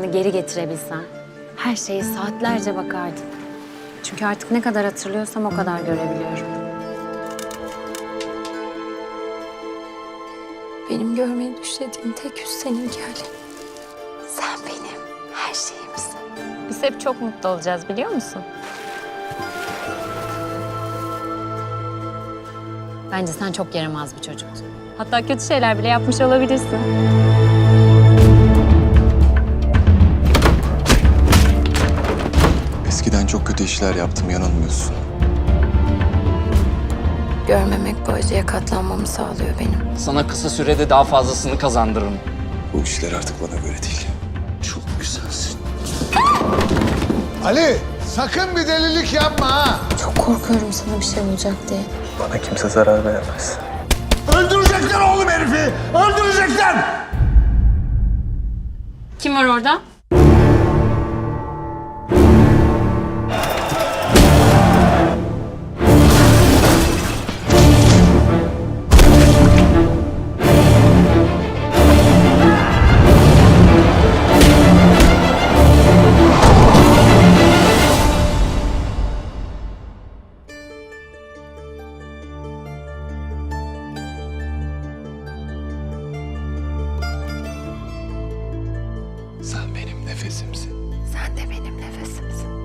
zamanı geri getirebilsem her şeye saatlerce bakardım. Çünkü artık ne kadar hatırlıyorsam o kadar görebiliyorum. Benim görmeyi düşlediğim tek yüz seninki Ali. Sen benim her şeyimsin. Biz hep çok mutlu olacağız biliyor musun? Bence sen çok yaramaz bir çocuktun. Hatta kötü şeyler bile yapmış olabilirsin. Eskiden çok kötü işler yaptım, yanılmıyorsun. Görmemek bu acıya katlanmamı sağlıyor benim. Sana kısa sürede daha fazlasını kazandırırım. Bu işler artık bana göre değil. Çok güzelsin. Ali, sakın bir delilik yapma ha. Çok korkuyorum sana bir şey olacak diye. Bana kimse zarar veremez. Öldürecekler oğlum herifi. Öldürecekler. Kim var orada? Sen benim nefesimsin. Sen de benim nefesimsin.